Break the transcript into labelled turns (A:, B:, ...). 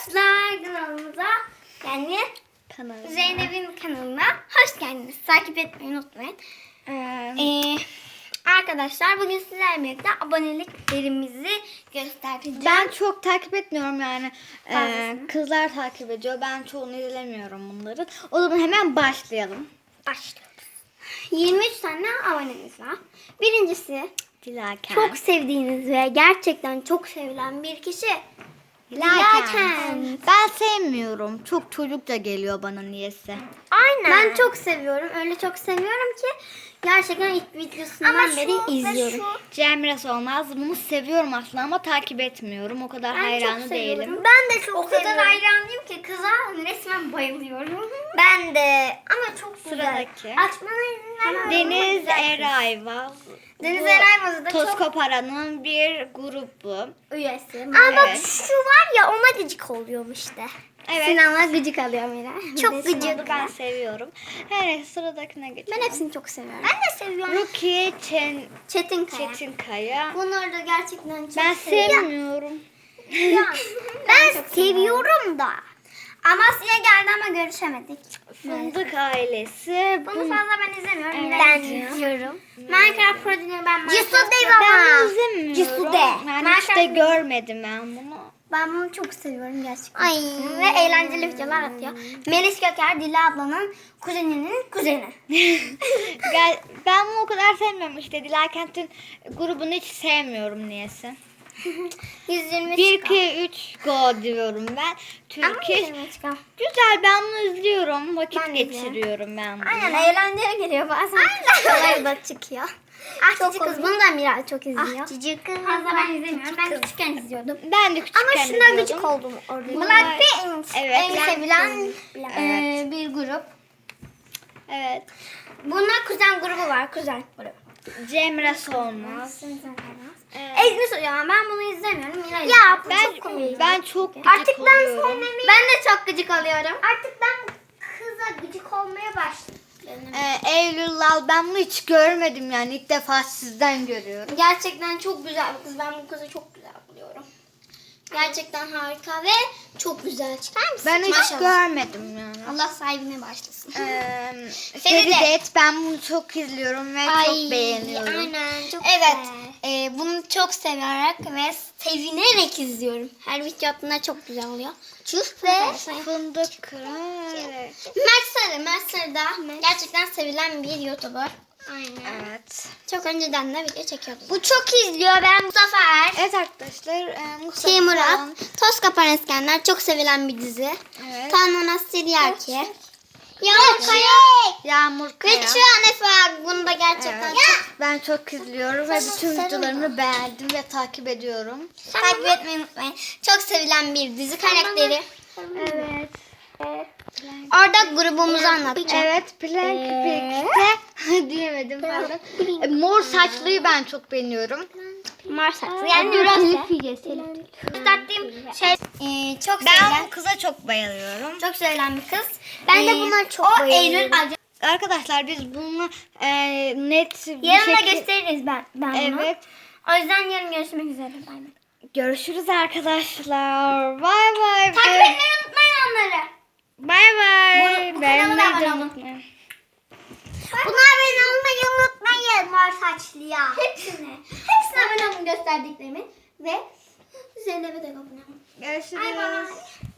A: arkadaşlar kanalımıza yani Zeynep'in kanalına hoş geldiniz. Takip etmeyi unutmayın. Arkadaşlar bugün sizlerle birlikte aboneliklerimizi göstereceğim.
B: Ben çok takip etmiyorum yani. Kızlar takip ediyor. Ben çoğunu izlemiyorum bunların. O zaman hemen başlayalım.
A: Başlıyoruz. 23 tane abonemiz var. Birincisi
B: Dilaken.
A: çok sevdiğiniz ve gerçekten çok sevilen bir kişi. Dilaken.
B: Ben sevmiyorum. Çok çocukça geliyor bana niyeyse.
A: Aynen. Ben çok seviyorum. Öyle çok seviyorum ki gerçekten ilk videosundan beri izliyorum.
B: Cemre Solmaz. Bunu seviyorum aslında ama takip etmiyorum. O kadar hayranı değilim.
A: Ben de çok o kadar hayranıyım ki kıza resmen bayılıyorum. Ben de ama çok
B: Sıradaki.
A: güzel. Açmana izin vermem.
B: Deniz Erayvaz.
A: Deniz Erayvaz'ı da çok
B: Toskopara'nın bir grubu.
A: üyesi. Aa bak
B: Evet.
A: şu var ya ona gıcık oluyorum işte.
B: Evet.
A: Sinan'la gıcık alıyor Mira. Çok gıcık.
B: Ben seviyorum. Evet, sıradakine geçelim.
A: Ben hepsini çok seviyorum. Ben de seviyorum.
B: Rukiye
A: Çetinkaya.
B: Çetinkaya.
A: Bunları da gerçekten çok
B: Ben
A: seviyorum.
B: sevmiyorum.
A: Ben seviyorum da. Amasya geldi ama görüşemedik.
B: Fındık ailesi.
A: Bunu fazla ben izlemiyorum.
B: Evet.
A: Ben izliyorum. Minecraft Prodigy'yi ben
B: Cisude ben izlemiyorum.
A: Cisude.
B: Yani hiç de görmedim ben bunu.
A: Ben bunu çok seviyorum gerçekten. Ve eğlenceli videolar atıyor. Melis Göker, Dila ablanın kuzeninin kuzeni.
B: Ben bunu o kadar sevmiyorum işte. Dilakent'in grubunu hiç sevmiyorum niyeyse.
A: 120
B: 1, 2, 3 go diyorum ben. Türkiye. Güzel, ben bunu izliyorum. Vakit
A: Ben de
B: geçiriyorum ben bunu.
A: Aynen eğlenceli geliyor bazen. Aynen. da çıkıyor. Ah cici kız bunu da Miray çok izliyor. Ah cici kız. Fazla ben izlemiyorum. Ben küçükken izliyordum.
B: Ben de küçükken
A: Ama şuna gıcık oldum orada. Blackpink
B: Evet.
A: en sevilen
B: Evet.
A: bir grup.
B: Evet.
A: Bunlar kuzen grubu var. Kuzen grubu.
B: Cemre Solmaz.
A: Ezmi Soyan ben bunu izlemiyorum. Ya bu çok komik.
B: Ben çok gıcık
A: Artık ben
B: oluyorum.
A: sevmemeye... Ben de çok gıcık alıyorum. Artık ben kıza gıcık olmaya başladım.
B: Eylül Lal, ben bunu hiç görmedim yani. İlk defa sizden görüyorum.
A: Gerçekten çok güzel bir kız. Ben bu kızı çok güzel buluyorum. Gerçekten harika ve çok güzel. Çıkar mısın?
B: Ben hiç
A: Maşallah.
B: görmedim yani.
A: Allah sahibine başlasın.
B: Feridet, ben bunu çok izliyorum ve çok beğeniyorum.
A: Aynen çok evet, bunu çok severek ve sevinerek izliyorum. Her video attığında çok güzel oluyor. Ve
B: Fındık Kıran. Evet.
A: Mert Sarı da gerçekten sevilen bir YouTuber. Aynen.
B: Evet.
A: Çok önceden de video çekiyordu. Bu çok izliyor. Ben Muzaffer.
B: Evet arkadaşlar. Mustafa
A: Murat.
B: falan.
A: Toz Kapan Eskenler çok sevilen bir dizi.
B: Evet.
A: Tanrı Siryaki. Yağmur Kaya.
B: Yağmur Kaya.
A: Ve şu an Efe abi bunu da gerçekten çok
B: Ben çok izliyorum ve bütün videolarını beğendim ve takip ediyorum.
A: takip etmeyi unutmayın. Çok sevilen bir dizi karakteri.
B: Evet.
A: Orada grubumuzu anlatacağım.
B: Evet, Plank birlikte diyemedim pardon. Mor saçlıyı ben çok beğeniyorum.
A: Mor saksı. Yani gösterdiğim şey çok
B: Ben
A: sevilen.
B: bu kıza çok bayılıyorum.
A: Çok sevilen bir kız. Ben de buna çok
B: o
A: bayılıyorum.
B: Eylül Arkadaşlar biz bunu net bir
A: Yarın da
B: şekilde...
A: gösteririz ben bunu.
B: Evet.
A: O yüzden yarın görüşmek üzere. Bay bay.
B: Görüşürüz arkadaşlar. Bay bay.
A: Takip etmeyi unutmayın onları.
B: Bay bay.
A: Bu kanala da abone olun.
B: unutmayın.
A: Buna abone olmayı unutmayın mor saçlıya. Hepsine abone olun gösterdiklerimin. Ve Zeynep'e de abone olun.
B: Görüşürüz.
A: Bay bay.